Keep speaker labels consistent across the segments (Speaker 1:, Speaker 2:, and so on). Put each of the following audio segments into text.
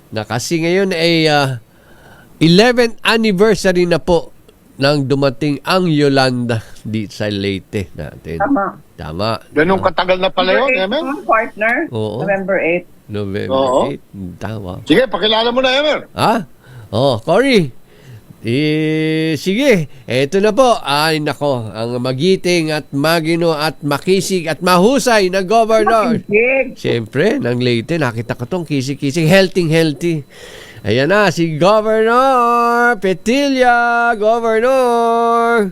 Speaker 1: na kasi ngayon ay 11th anniversary na po nang dumating ang Yolanda di sa Leyte natin. Tama.
Speaker 2: Ganun katagal na pala yun, Emer?
Speaker 3: Partner,
Speaker 1: Oo.
Speaker 3: November 8.
Speaker 1: November
Speaker 2: Oo.
Speaker 1: 8. Tama.
Speaker 2: Sige, pakilala mo na, Emer.
Speaker 1: Cory. Sige, eto na po. Ay, nako, ang magiting at magino at makisig at mahusay na governor. Siyempre, ng Leyte, nakita ko tong kisig-kisig, healthy. Ayan na, si Governor Petilla, Governor.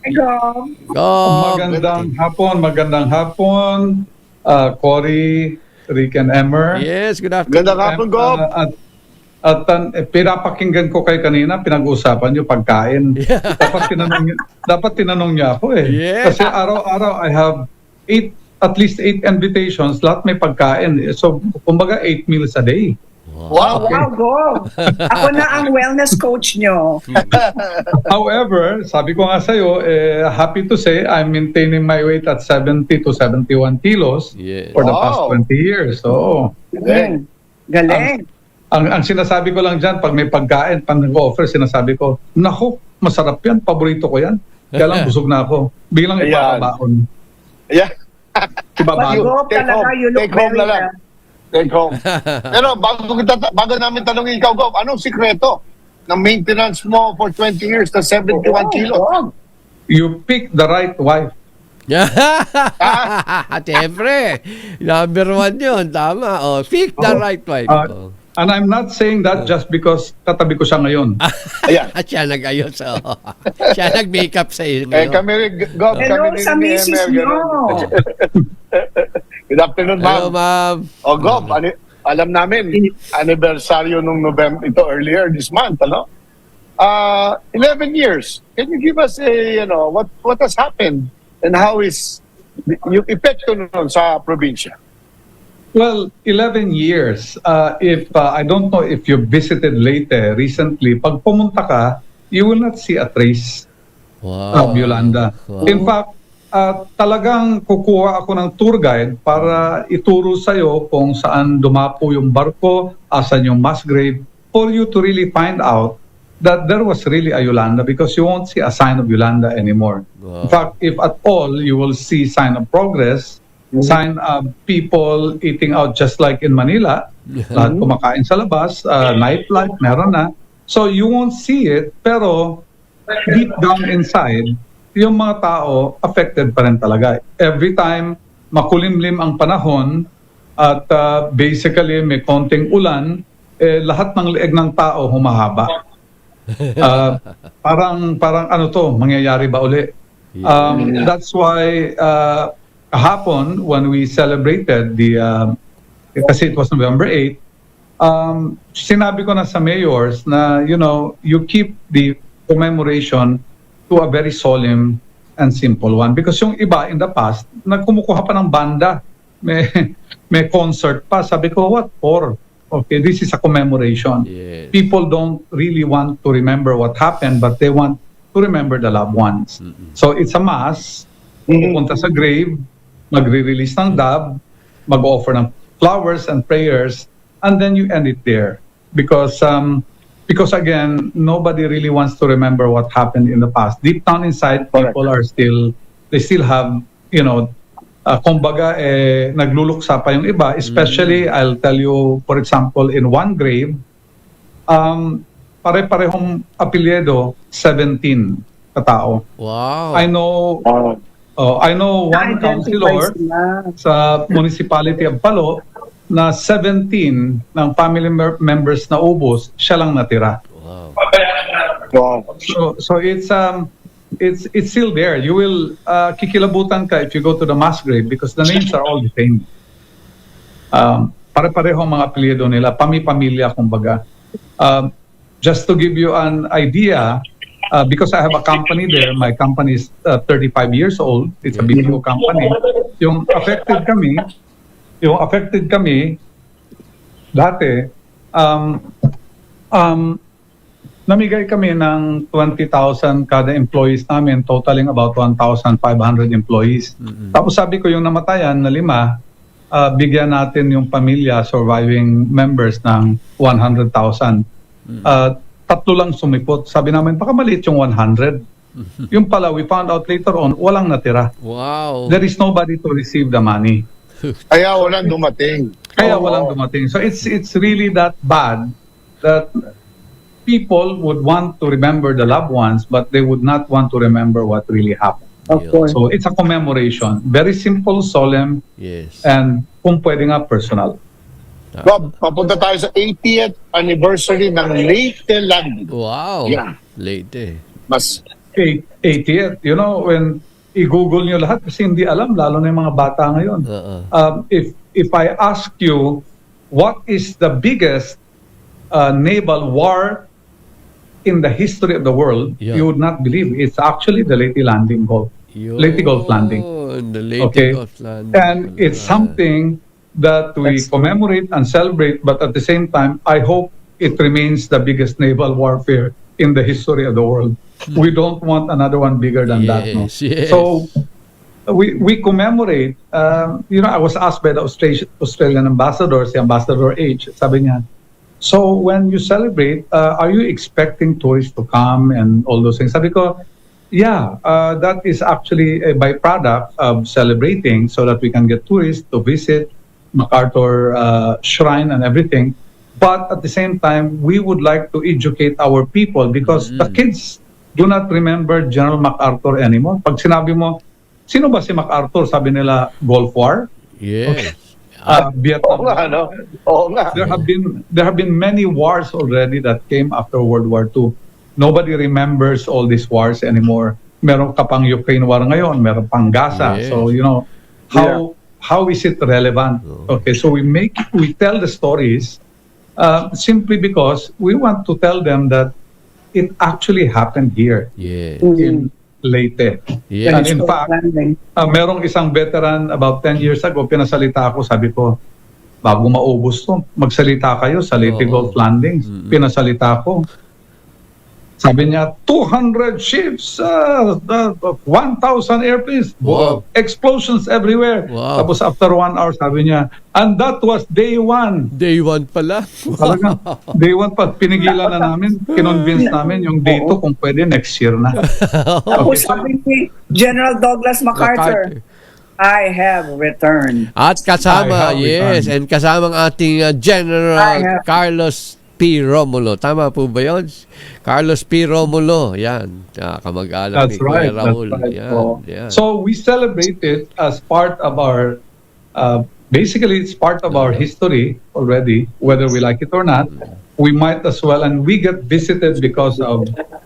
Speaker 4: Magandang hapon, Cory, Rick and Emer.
Speaker 1: Yes, good afternoon.
Speaker 2: Ganda hapon, Gov.
Speaker 4: Pinapakinggan ko kayo kanina, pinag-uusapan nyo pagkain. Dapat tinanong niya ako eh.
Speaker 1: Yeah.
Speaker 4: Kasi araw-araw I have at least 8 invitations, lahat may pagkain. So, kumbaga 8 meals a day.
Speaker 2: Wow.
Speaker 3: Go! Ako na ang wellness coach nyo.
Speaker 4: However, sabi ko nga sa'yo, happy to say I'm maintaining my weight at 70 to 71 kilos for the past 20 years. So,
Speaker 3: Galing.
Speaker 4: Ang sinasabi ko lang dyan, pag may pagkain, pag nag-offer, sinasabi ko, naku, masarap yan, paborito ko yan. Kaya lang busog na ako. Biglang ipapabaon.
Speaker 2: Yeah.
Speaker 4: Ibabago.
Speaker 2: Take home na lang. Take home. Pero bago namin tanongin ikaw, Gov, anong sikreto ng maintenance mo for 20 years na 71 kilos?
Speaker 4: You pick the right wife.
Speaker 1: Siyempre, number 1 yun. Tama. Pick the right wife.
Speaker 4: And I'm not saying that just because katabi ko siya ngayon.
Speaker 2: Ayan.
Speaker 1: At siya nag-ayos. Siya nag-makeup sa iyo.
Speaker 2: Kami rin, Gov,
Speaker 3: Hello
Speaker 2: kami rin
Speaker 3: sa
Speaker 2: ni
Speaker 3: misis
Speaker 2: Emer,
Speaker 3: nyo.
Speaker 2: Good afternoon,
Speaker 1: Hello,
Speaker 2: ma'am.
Speaker 1: ma'am.
Speaker 2: Gov, alam namin, anniversaryo nung November, ito earlier this month, 11 years. Can you give us what has happened and how is yung epekto nun sa probinsya?
Speaker 4: Well, 11 years. If I don't know if you visited Leyte recently, pag pumunta ka, you will not see a trace of Yolanda.
Speaker 1: Wow.
Speaker 4: In fact, talagang kukuha ako ng tour guide para ituro sa'yo kung saan dumapo yung barko, asan yung mass grave, for you to really find out that there was really a Yolanda because you won't see a sign of Yolanda anymore.
Speaker 1: Wow.
Speaker 4: In fact, if at all, you will see sign of progress, sign of people eating out just like in Manila, lahat kumakain sa labas, nightlife, meron na. So you won't see it, pero deep down inside, yung mga tao affected pa rin talaga. Every time makulimlim ang panahon at basically may konting ulan, lahat ng leeg ng tao humahaba. Parang ano to, mangyayari ba uli? That's why kahapon when we celebrated kasi it was November 8, sinabi ko na sa mayors na you keep the commemoration to a very solemn and simple one because yung iba in the past nagkumukuha pa ng banda, may concert pa. Sabi ko, what for? Okay, this is a commemoration.
Speaker 1: Yes.
Speaker 4: People don't really want to remember what happened, but they want to remember the loved ones. So it's a mass, pupunta sa grave, magre-release ng dab, mag-offer ng flowers and prayers, and then you end it there. Because again, nobody really wants to remember what happened in the past. Deep down inside, people they still have, kumbaga, nagluluksa pa yung iba. Especially, I'll tell you, for example, in one grave, pare-parehong apelyido, 17 katao.
Speaker 1: Wow.
Speaker 4: I know one councilor sa municipality of Palo na 17 ng family members na ubos, siya lang natira.
Speaker 1: Wow.
Speaker 4: So it's still there. You will kikilabutan ka if you go to the mass grave because the names are all the same. Pare-pareho mga apelyido nila, pamilya kumbaga. Just to give you an idea, because I have a company there, my company is 35 years old. It's a BPO company. Yung affected kami dati, namigay kami ng 20,000 kada employees namin, totaling about 1,500 employees. Tapos sabi ko yung namatayan na 5, bigyan natin yung pamilya, surviving members ng 100,000. Tatlo lang sumipot. Sabi namin, baka maliit yung 100. Yung pala, we found out later on, walang natira.
Speaker 1: Wow.
Speaker 4: There is nobody to receive the money.
Speaker 2: Kaya walang dumating.
Speaker 4: Kaya walang dumating. So it's really that bad that people would want to remember the loved ones, but they would not want to remember what really happened.
Speaker 3: Of course.
Speaker 4: So it's a commemoration. Very simple, solemn,
Speaker 1: Yes.
Speaker 4: and kung pwede nga personal.
Speaker 2: Bob, papunta tayo sa 80th anniversary ng Leyte landing.
Speaker 1: Wow.
Speaker 2: Yeah.
Speaker 1: Late.
Speaker 2: Mas
Speaker 4: 80th, you know, when i-google nyo lahat kasi hindi alam, lalo na yung mga bata ngayon. If I ask you, what is the biggest naval war in the history of the world,
Speaker 1: Yeah.
Speaker 4: you would not believe. It's actually the Leyte Landing Gulf. Leyte Gulf Landing.
Speaker 1: The Leyte
Speaker 4: Okay.
Speaker 1: Gulf Landing.
Speaker 4: And it's something that we commemorate and celebrate, but at the same time, I hope it remains the biggest naval warfare in the history of the world. We don't want another one bigger than that. No?
Speaker 1: Yes, yes.
Speaker 4: So we commemorate. You know, I was asked by the Australian ambassador, si Ambassador H, sabi niya, so when you celebrate, are you expecting tourists to come and all those things? Sabi ko, yeah, that is actually a byproduct of celebrating so that we can get tourists to visit MacArthur Shrine and everything. But at the same time, we would like to educate our people because the kids do not remember General MacArthur anymore. Pag sinabi mo, sino ba si MacArthur? Sabi nila, Gulf War?
Speaker 1: Yes.
Speaker 4: Vietnam.
Speaker 2: Oo nga, no? Oo nga.
Speaker 4: There have been many wars already that came after World War II. Nobody remembers all these wars anymore. Meron ka pang Ukraine war ngayon, meron pang Gaza.
Speaker 1: Yes.
Speaker 4: So, you know, how is it relevant? Okay, so we tell the stories simply because we want to tell them that it actually happened here
Speaker 1: Yes.
Speaker 4: in Leyte.
Speaker 1: Yes.
Speaker 4: And in fact, merong isang veteran about 10 years ago, pinasalita ako, sabi ko, bago maubos to, magsalita kayo sa Leyte Gulf Landings. Pinasalita ko. Sabi niya, 200 ships, 1,000 airplanes,
Speaker 1: Wow.
Speaker 4: explosions everywhere.
Speaker 1: Wow.
Speaker 4: Tapos after 1 hour, sabi niya, and that was day 1.
Speaker 1: Day 1 pala.
Speaker 4: Talaga, day 1 pa, pinigilan na namin, kinonvince namin yung day 2 kung pwede next year na.
Speaker 3: Tapos sabi ni General Douglas MacArthur, I have returned.
Speaker 1: At kasama,
Speaker 4: I have
Speaker 1: yes,
Speaker 4: returned.
Speaker 1: and kasamang ating
Speaker 3: I
Speaker 1: General
Speaker 3: have-
Speaker 1: Carlos P. Romulo. Tama po ba yun? Carlos P. Romulo. Yan. Kamag-anak
Speaker 4: That's
Speaker 1: ni Kuya
Speaker 4: right.
Speaker 1: Raul.
Speaker 4: That's right.
Speaker 1: Yan. Yan.
Speaker 4: So we celebrate it as part of our, basically it's part of our history already, whether we like it or not. We might as well, and we get visited because of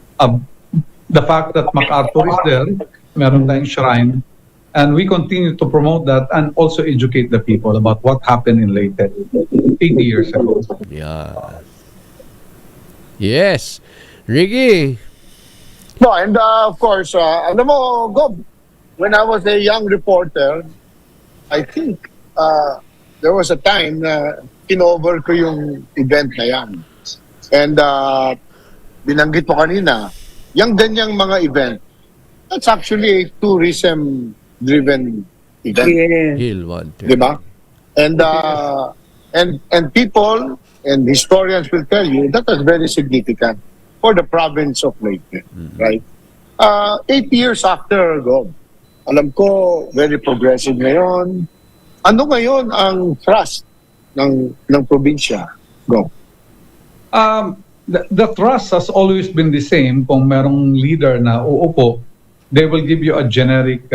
Speaker 4: the fact that MacArthur is there, meron tayong shrine, and we continue to promote that and also educate the people about what happened in Leyte 80 years ago.
Speaker 1: Yeah. Yes. Ricky.
Speaker 2: No, and of course, alam mo, Gob, when I was a young reporter, I think there was a time na kinover ko yung event na yan. And binanggit mo kanina, yung ganyang mga event, that's actually a tourism-driven event.
Speaker 3: Yeah.
Speaker 1: Hill 1.
Speaker 2: Di ba? And people and historians will tell you that was very significant for the province of Leyte, right? 8 years after, Gob, alam ko, very progressive ngayon. Ano ngayon ang thrust ng probinsya, Gob?
Speaker 4: The thrust has always been the same. Kung merong leader na uupo, they will give you a generic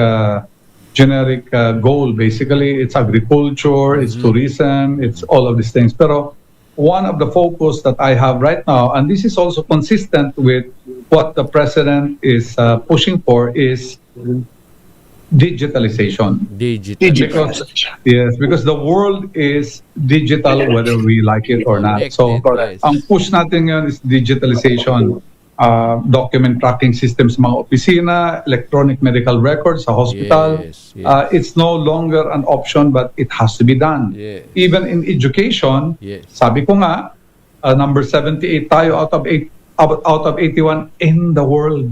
Speaker 4: goal. Basically, it's agriculture, it's tourism, it's all of these things. Pero one of the focus that I have right now, and this is also consistent with what the president is pushing for, is digitalization.
Speaker 1: Digital.
Speaker 4: Because the world is digital whether we like it or not. So,
Speaker 1: Connected, yes.
Speaker 4: ang push natin ngayon is digitalization. Document tracking systems sa mga opisina, electronic medical records sa hospital.
Speaker 1: Yes, yes.
Speaker 4: It's no longer an option but it has to be done.
Speaker 1: Yes.
Speaker 4: Even in education,
Speaker 1: Yes.
Speaker 4: sabi ko nga, number 78 tayo out of 81 in the world.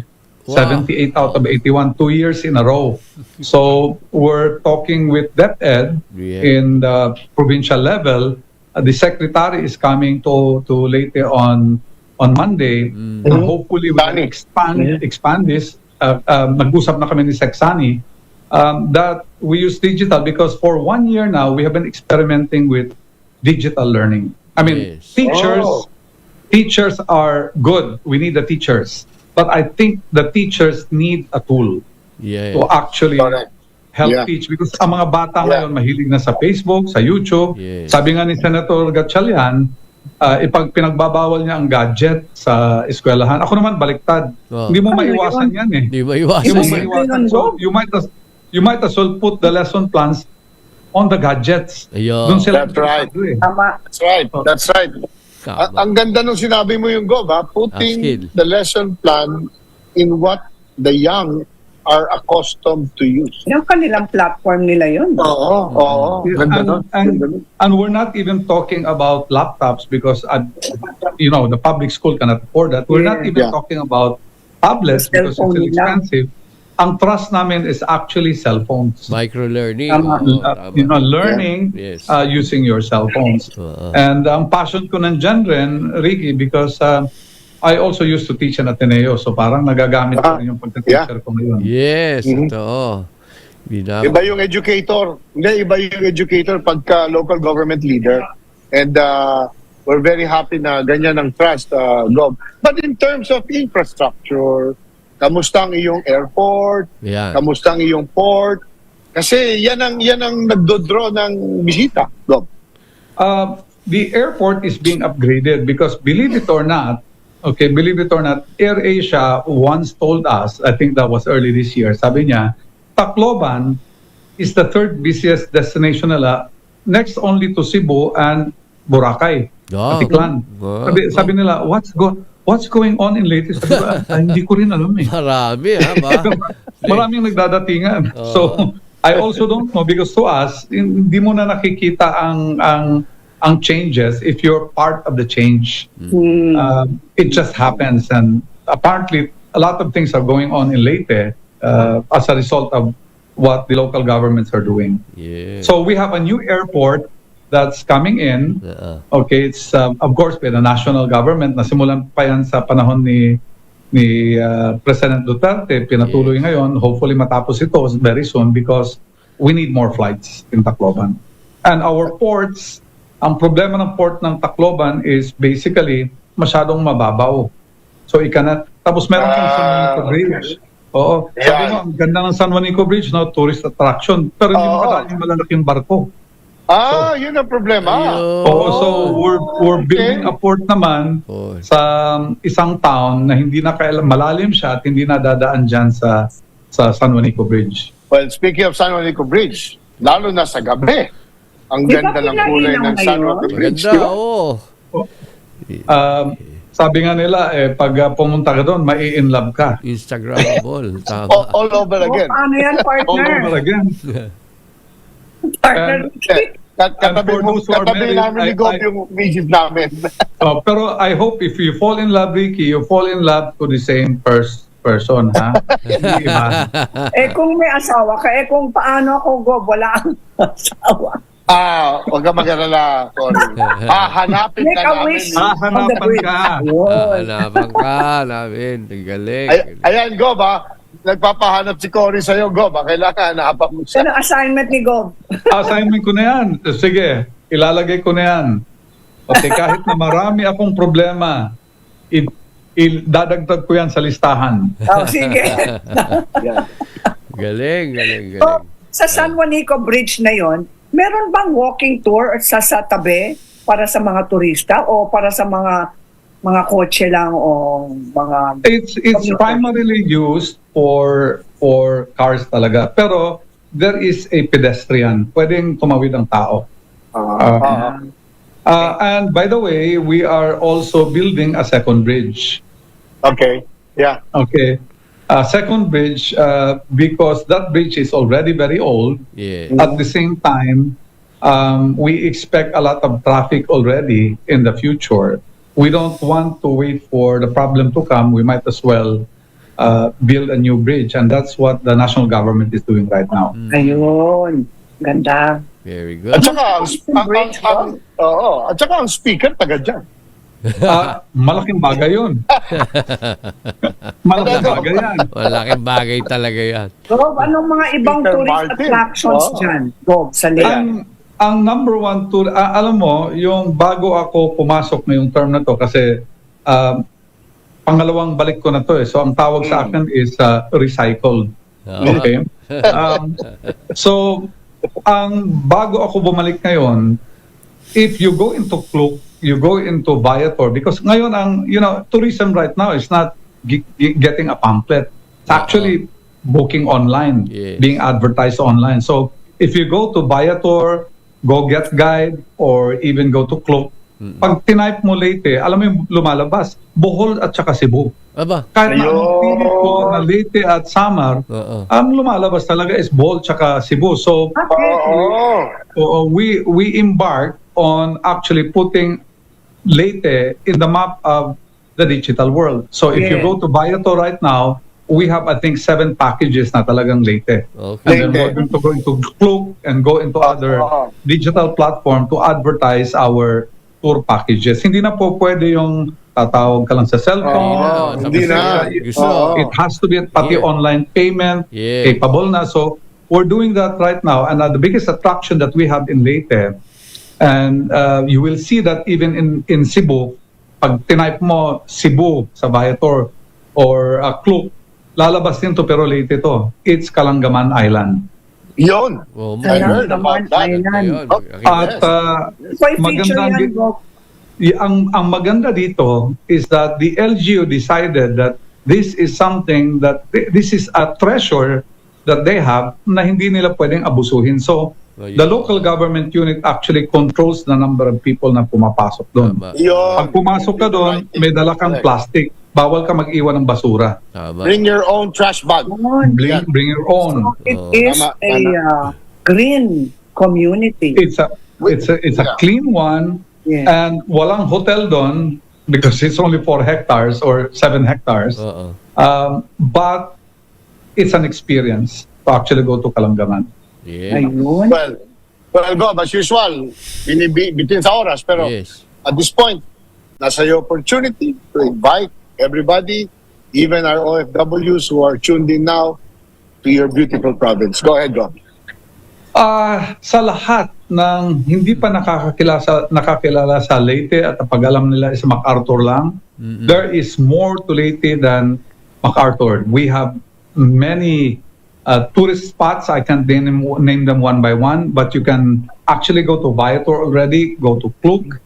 Speaker 1: Wow.
Speaker 4: 78 out of 81, 2 years in a row. So we're talking with DepEd
Speaker 1: Yeah.
Speaker 4: in the provincial level. The secretary is coming to Leyte on Monday. And hopefully we can expand this. Nag-usap na kami ni Sexani that we use digital because for 1 year now we have been experimenting with digital learning. I mean,
Speaker 1: Yes.
Speaker 4: teachers are good. We need the teachers. But I think the teachers need a tool
Speaker 1: Yeah.
Speaker 4: to actually
Speaker 2: Correct.
Speaker 4: help
Speaker 2: Yeah.
Speaker 4: teach because ang mga bata
Speaker 2: Yeah.
Speaker 4: ngayon mahilig na sa Facebook, sa YouTube.
Speaker 1: Yes.
Speaker 4: Sabi nga ni Senator Gatchalian, ipag pinagbabawal niya ang gadget sa eskwelahan. Ako naman baliktad.
Speaker 1: Oh.
Speaker 4: Hindi mo
Speaker 3: Ano
Speaker 4: maiwasan yan eh.
Speaker 1: Hindi
Speaker 4: Hindi
Speaker 1: maiwasan
Speaker 4: mo
Speaker 3: Yes.
Speaker 1: yan.
Speaker 4: maiwasan. So you might as well put the lesson plans on the gadgets.
Speaker 1: Ayun.
Speaker 4: Doon sila
Speaker 2: That's right.
Speaker 4: interesado eh.
Speaker 3: Tama.
Speaker 2: That's right. That's right.
Speaker 1: Tama.
Speaker 2: Ang ganda nung sinabi mo yung Gov, ha? Putting
Speaker 1: Skill.
Speaker 2: the lesson plan in what the young are accustomed to use.
Speaker 3: Yung kanilang platform nila yun.
Speaker 2: Oo. Ganda nun. Ganda nun.
Speaker 4: And we're not even talking about laptops because the public school cannot afford that. We're not even
Speaker 2: Yeah.
Speaker 4: talking about tablets because it's
Speaker 3: Cellphone
Speaker 4: still
Speaker 3: nila.
Speaker 4: expensive. Ang trust namin is actually cell phones.
Speaker 1: Micro-learning.
Speaker 3: Tama.
Speaker 1: Oo, tama.
Speaker 4: Learning
Speaker 1: Yes.
Speaker 4: using your cell phones.
Speaker 1: Oo.
Speaker 4: And ang passion ko nandyan rin, Ricky, because I also used to teach in Ateneo. So parang nagagamit ko rin yung pagka-teacher ko ngayon.
Speaker 1: Yes,
Speaker 2: Mhm.
Speaker 1: totoo.
Speaker 2: Iba yung educator. Hindi, iba yung educator pagka local government leader. And we're very happy na ganyan ang trust, Gov. But in terms of infrastructure, kamusta ang iyong airport?
Speaker 1: Yan.
Speaker 2: Kamusta ang iyong port? Kasi yan ang nagdodraw ng bisita, Gov.
Speaker 4: The airport is being upgraded because believe it or not, AirAsia once told us, I think that was early this year, sabi niya, Tacloban is the third busiest destination nila, next only to Cebu and Boracay,
Speaker 1: Oh.
Speaker 4: Atiklan.
Speaker 1: Oh.
Speaker 4: Sabi nila, what's going on in Leyte? Sabi ko, hindi ko rin alam eh.
Speaker 1: Marami, ha ba?
Speaker 4: Maraming nagdadatingan. So, I also don't know because to us, hindi mo na nakikita ang changes if you're part of the change. It just happens, and apparently a lot of things are going on in Leyte as a result of what the local governments are doing.
Speaker 1: Yeah.
Speaker 4: So we have a new airport that's coming in. Okay, it's of course by the national government. Nasimulan pa yan sa panahon ni President Duterte. Pinatuloy ngayon. Hopefully matapos ito very soon because we need more flights in Tacloban. And our ports, ang problema ng port ng Tacloban is basically masyadong mababaw. So tapos meron kang San Juanico Bridge. Oo. Sabi mo, ang ganda ng San Juanico Bridge, no, tourist attraction. Pero hindi mo kadaan yung malalaking barko.
Speaker 2: Yun ang problema.
Speaker 4: Oo, so we're building a port naman sa isang town na hindi na malalim siya at hindi na dadaan dyan sa San Juanico Bridge.
Speaker 2: Well, speaking of San Juanico Bridge, lalo na sa gabi, ang
Speaker 3: Di ba
Speaker 2: ganda ng kulay ng San Juanico
Speaker 3: ngayon?
Speaker 2: Bridge.
Speaker 1: Ganda,
Speaker 2: di ba?
Speaker 1: oo.
Speaker 4: Sabi nga nila, pag pumunta ka doon, mai-inlove ka.
Speaker 1: Instagrammable. Tama.
Speaker 2: All over again.
Speaker 3: Paano yan,
Speaker 4: All
Speaker 3: partner?
Speaker 4: over again.
Speaker 3: Partner.
Speaker 2: Katabi
Speaker 4: for those who are married,
Speaker 2: namin ni Gov
Speaker 4: I-
Speaker 2: yung misis namin.
Speaker 4: Pero I hope if you fall in love, Ricky, you fall in love to the same person, ha? Hindi iba.
Speaker 3: Kung may asawa ka, kung paano ako, Gob, wala ang asawa.
Speaker 2: Huwag ka mag-alala, Cory. Hanapin
Speaker 3: Make
Speaker 2: ka
Speaker 3: a
Speaker 2: namin.
Speaker 3: wish.
Speaker 4: Hahanapan ka.
Speaker 1: Hanapan ka namin. Ang galing.
Speaker 2: Ayan, Gov, nagpapahanap si Cory sa'yo, Gov. Kailangan hanapan mo siya.
Speaker 3: Yan ang assignment ni Gob.
Speaker 4: Assignment ko na yan. Sige, ilalagay ko na yan. Okay, kahit na marami akong problema, dadagdag ko yan sa listahan.
Speaker 3: Sige.
Speaker 1: Galing.
Speaker 3: So, sa San Juanico Bridge na yon, meron bang walking tour sa tabi para sa mga turista o para sa mga kotse lang o mga...
Speaker 4: It's primarily used for cars talaga. Pero there is a pedestrian. Pwedeng tumawid ang tao. And by the way, we are also building a second bridge.
Speaker 2: Okay. Yeah.
Speaker 4: Okay. Second bridge, because that bridge is already very old.
Speaker 1: Yeah.
Speaker 4: At the same time, we expect a lot of traffic already in the future. We don't want to wait for the problem to come. We might as well build a new bridge, and that's what the national government is doing right now.
Speaker 3: Ayun. Ganda.
Speaker 1: Very
Speaker 2: At
Speaker 1: good.
Speaker 2: saka, at saka ang speaker, taga dyan.
Speaker 4: Malaking bagay yun. Malaking bagay yan.
Speaker 1: Malaking bagay talaga yan.
Speaker 3: Gob, anong mga ibang
Speaker 2: Peter
Speaker 3: tourist
Speaker 2: Martin.
Speaker 3: attractions
Speaker 2: Oo.
Speaker 3: dyan? Gob, sa Leyte.
Speaker 4: Ang number one tour, alam mo, yung bago ako pumasok ngayong term na to, kasi pangalawang balik ko na to so ang tawag sa akin is recycled.
Speaker 1: Oo.
Speaker 4: Okay? So, ang bago ako bumalik ngayon, if you go into Klook, you go into Viator, because ngayon tourism right now is not getting a pamphlet. It's actually booking online,
Speaker 1: Yes.
Speaker 4: being advertised online. So, if you go to Viator, go Get Guide, or even go to Klook, pag tinype mo Leyte, alam mo yung lumalabas, Bohol at saka Cebu.
Speaker 1: Aba.
Speaker 4: Kahit na
Speaker 2: Ayun.
Speaker 4: anong pilit ko na Leyte at Samar,
Speaker 1: Oo.
Speaker 4: ang lumalabas talaga is Bohol at saka Cebu. So, we embark on actually putting Leyte in the map of the digital world. So, if you
Speaker 3: Yeah.
Speaker 4: go to Viator right now, we have, I think, 7 packages na talagang Leyte.
Speaker 1: Okay.
Speaker 4: And then we're going to go into Klook and go into other digital platform to advertise our tour packages. Hindi na po pwede yung tatawag ka lang sa cellphone.
Speaker 2: Hindi na.
Speaker 1: Gusto.
Speaker 2: Oo.
Speaker 4: It has to be pati
Speaker 1: Yeah.
Speaker 4: online payment,
Speaker 1: Yeah.
Speaker 4: capable na. So we're doing that right now. And the biggest attraction that we have in Leyte, and you will see that even in Cebu, pag tinype mo Cebu sa Viator or Klook, lalabas din to pero Leyte to. It's Kalangaman Island.
Speaker 2: Yun.
Speaker 1: Oh,
Speaker 2: I heard about that.
Speaker 1: Ayun.
Speaker 4: At
Speaker 3: So, feature
Speaker 4: magandang
Speaker 3: yan, Gob.
Speaker 4: ang maganda dito is that the LGU decided that this is something that this is a treasure that they have na hindi nila pwedeng abusuhin. So the local government unit actually controls the number of people na pumapasok doon.
Speaker 1: Tama.
Speaker 2: Yun.
Speaker 4: Pag pumasok ka doon, may dala kang plastic. Bawal ka mag-iwan ng basura.
Speaker 1: Tama.
Speaker 2: Bring your own trash bag.
Speaker 3: Yun.
Speaker 4: Bring your own.
Speaker 3: So, it
Speaker 1: Oh.
Speaker 3: is
Speaker 2: Tama,
Speaker 3: a green community.
Speaker 4: It's a clean one.
Speaker 3: Yeah.
Speaker 4: And walang hotel doon because it's only 4 hectares or 7 hectares.
Speaker 1: Oo.
Speaker 4: But it's an experience to actually go to Kalangaman.
Speaker 1: Yeah.
Speaker 3: Ayun.
Speaker 2: Well, Gob, as usual, bitin sa oras, pero
Speaker 1: Yes.
Speaker 2: at this point, nasa your opportunity to invite everybody, even our OFWs who are tuned in now, to your beautiful province. Go ahead, Gob.
Speaker 4: Sa lahat ng hindi pa nakakilala sa Leyte at ang pag-alam nila is MacArthur lang, there is more to Leyte than MacArthur. We have many tourist spots. I can't name them one by one, but you can actually go to Viator already, go to Klook,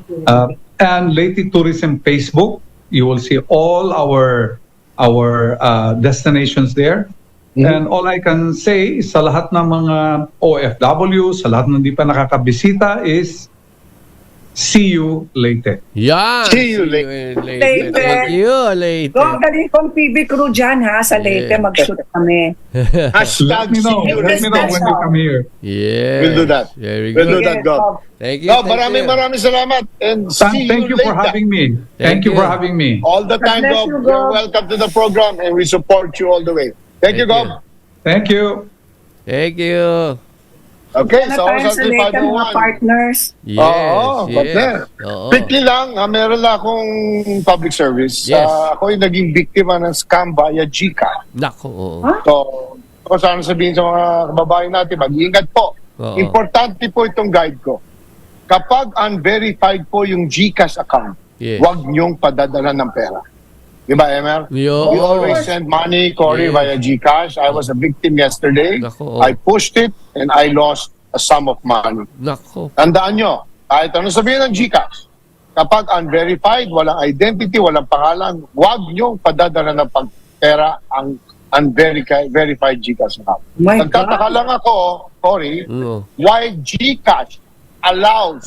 Speaker 4: and Leyte Tourism Facebook. You will see all our destinations there. And all I can say sa lahat ng mga OFW, sa lahat ng hindi pa nakakabisita is see you Leyte.
Speaker 1: Yan.
Speaker 2: See you
Speaker 1: later.
Speaker 3: Leyte.
Speaker 1: Thank you, Leyte.
Speaker 3: Gob, galing kong PB crew dyan ha, sa Leyte,
Speaker 1: Yeah.
Speaker 3: mag-shoot kami.
Speaker 2: Hashtag
Speaker 4: Let me know.
Speaker 2: see you
Speaker 4: Let me know when you come here.
Speaker 1: Yes.
Speaker 2: We'll do that.
Speaker 1: Very
Speaker 2: We'll
Speaker 1: good.
Speaker 2: do that, Gob.
Speaker 1: Thank you.
Speaker 2: Gob,
Speaker 1: thank you.
Speaker 2: maraming salamat. And see
Speaker 4: Thank you for
Speaker 2: later.
Speaker 4: having me.
Speaker 1: Thank
Speaker 4: Thank you
Speaker 1: you.
Speaker 4: for having me.
Speaker 2: All the time,
Speaker 3: God bless
Speaker 2: Gob.
Speaker 3: you,
Speaker 2: You're
Speaker 3: Gob.
Speaker 2: welcome to the program, and we support you all the way. Thank you,
Speaker 1: Thank you.
Speaker 2: Gob.
Speaker 4: Thank you.
Speaker 1: Thank you.
Speaker 2: Okay,
Speaker 3: Na
Speaker 2: so
Speaker 3: tayo sa Leyte, mga
Speaker 2: 501.
Speaker 3: partners.
Speaker 1: Yes.
Speaker 2: Oo,
Speaker 1: yes.
Speaker 2: partner.
Speaker 1: Oo.
Speaker 2: Quickly lang, meron lang akong public service.
Speaker 1: Yes.
Speaker 2: Ako yung naging biktima ng scam via GCash.
Speaker 1: Nako. Oo.
Speaker 3: Huh?
Speaker 2: So, kung saan sabihin sa mga kababayan natin, mag-iingat po.
Speaker 1: Oo.
Speaker 2: Importante po itong guide ko. Kapag unverified po yung GCash account,
Speaker 1: Yes.
Speaker 2: huwag niyong padadala ng pera. Di ba, Emer?
Speaker 1: Yo.
Speaker 2: We always send money, Cory,
Speaker 1: Yes.
Speaker 2: via GCash. I was a victim yesterday.
Speaker 1: Nako.
Speaker 2: I pushed it and I lost a sum of money.
Speaker 1: Nako.
Speaker 2: Tandaan nyo, kahit ano sabihin ng GCash, kapag unverified, walang identity, walang pangalan, huwag nyo padadala ng pera ang unverified GCash account.
Speaker 3: My
Speaker 2: Nagtataka
Speaker 3: God.
Speaker 2: lang ako, Cory,
Speaker 1: Oo.
Speaker 2: why GCash allows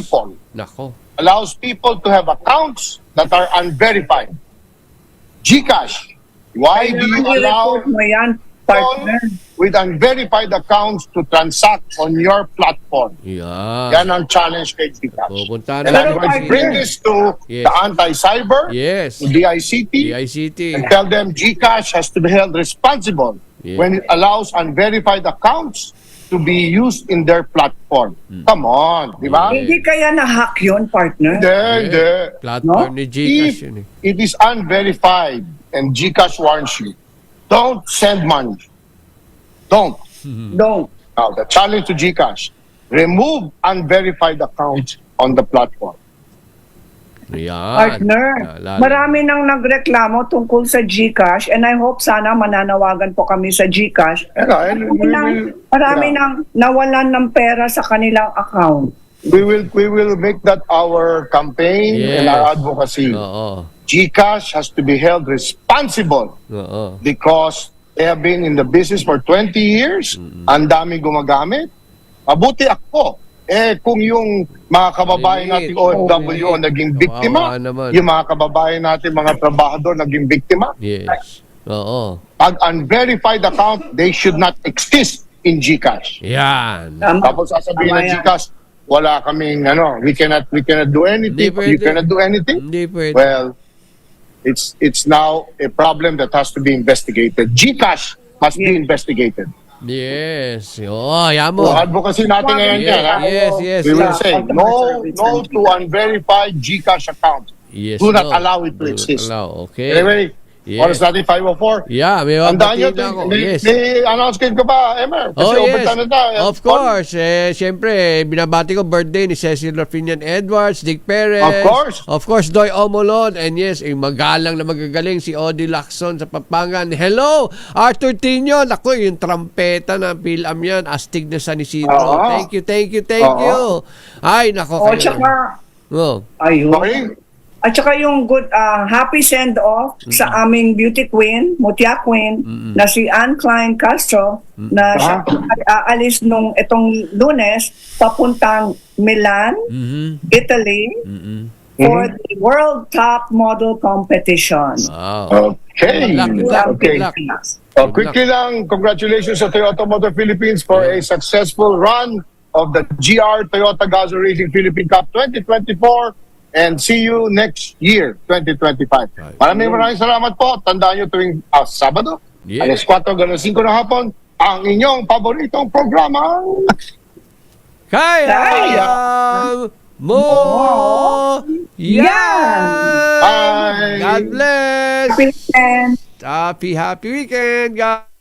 Speaker 1: Nako.
Speaker 2: people to have accounts that are unverified. GCash, why do you
Speaker 3: Kailangan
Speaker 2: allow
Speaker 3: i-report mo yan, partner.
Speaker 2: with unverified accounts to transact on your platform.
Speaker 1: Yeah.
Speaker 2: Yan ang challenge kay GCash.
Speaker 1: Pupunta
Speaker 2: And
Speaker 1: na.
Speaker 2: I'm going to bring this to
Speaker 1: Yes.
Speaker 2: the anti-cyber,
Speaker 1: Yes.
Speaker 2: to DICT,
Speaker 1: DICT.
Speaker 2: and tell them GCash has to be held responsible
Speaker 1: Yeah.
Speaker 2: when it allows unverified accounts to be used in their platform. Come on, di ba?
Speaker 1: Yeah.
Speaker 3: Hindi kaya na-hack yun, partner?
Speaker 2: Hindi.
Speaker 1: Platform ni Gcash
Speaker 2: If
Speaker 1: yun eh.
Speaker 2: it is unverified and GCash warns you, don't send money. Don't.
Speaker 3: Don't.
Speaker 2: Now, the challenge to GCash, remove unverified accounts on the platform.
Speaker 1: Yan.
Speaker 3: Partner,
Speaker 1: Lalo.
Speaker 3: marami nang nagreklamo tungkol sa GCash and I hope sana mananawagan po kami sa GCash.
Speaker 2: And
Speaker 3: Marami nang nawalan ng pera sa kanilang account.
Speaker 2: we will make that our campaign and our advocacy.
Speaker 1: Oo.
Speaker 2: GCash has to be held responsible
Speaker 1: Oo.
Speaker 2: because they have been in the business for 20 years. Ang dami gumagamit. Mabuti ako. Kung yung mga kababayan nating OFW ang naging biktima,
Speaker 1: Kawawa naman.
Speaker 2: yung mga kababayan natin, mga trabahador naging biktima,
Speaker 1: Yes. Oo.
Speaker 2: pag unverified account, they should not exist in GCash.
Speaker 1: Yan.
Speaker 2: Tapos sasabihin ng
Speaker 3: Tama yan.
Speaker 2: GCash, wala kaming, we cannot do anything.
Speaker 1: Hindi pwede.
Speaker 2: You cannot do anything.
Speaker 1: Hindi pwede.
Speaker 2: Well, it's now a problem that has to be investigated. GCash must be investigated.
Speaker 1: Yes. Oo, yan mo.
Speaker 2: So, advocacy natin ngayon yan. ha?
Speaker 1: Yes.
Speaker 2: We will
Speaker 1: yes.
Speaker 2: say no to unverified GCash accounts.
Speaker 1: Yes,
Speaker 2: Do not
Speaker 1: no.
Speaker 2: allow it to
Speaker 1: Do not
Speaker 2: exist.
Speaker 1: allow. Okay.
Speaker 2: Anyway,
Speaker 1: Yes.
Speaker 2: oras natin 5:04.
Speaker 1: Yeah, may
Speaker 2: Tandaan nyo,
Speaker 1: mabatiin ako. Yes.
Speaker 2: may announcement ka ba, Emer? Kasi
Speaker 1: Oh, yes.
Speaker 2: overtime na tayo.
Speaker 1: Of course. Siyempre, binabati ko birthday ni Cecil Rafinian Edwards, Dick Perez.
Speaker 2: Of course.
Speaker 1: Of course, Doy Omolon. And yes, magalang na magagaling si Odi Lacson sa Papangan. Hello, Arthur Tino. Naku, yung trampeta ng Pilam yan. Astig na San Isidro.
Speaker 2: Oo.
Speaker 1: Thank you. Ay, nako.
Speaker 3: O, tsaka, ayun.
Speaker 2: Okay.
Speaker 3: At saka yung good, happy send-off sa aming beauty queen, Mutya Queen, na si Anne Klein Castro, na siya ay aalis nung itong Lunes, papuntang Milan, Italy, for the World Top Model Competition.
Speaker 1: Wow.
Speaker 2: Okay.
Speaker 1: Good luck.
Speaker 2: Okay.
Speaker 1: Good luck.
Speaker 2: So quickly lang, congratulations sa Toyota Motor Philippines for a successful run of the GR Toyota Gazoo Racing Philippine Cup 2024 and see you next year, 2025. Maraming salamat po. Tandaan nyo tuwing Sabado, alas 4 hanggang 5 ng hapon, ang inyong paboritong programa.
Speaker 1: Kaya mo yan!
Speaker 2: Bye!
Speaker 1: God bless!
Speaker 3: Happy weekend!
Speaker 1: Happy weekend, guys!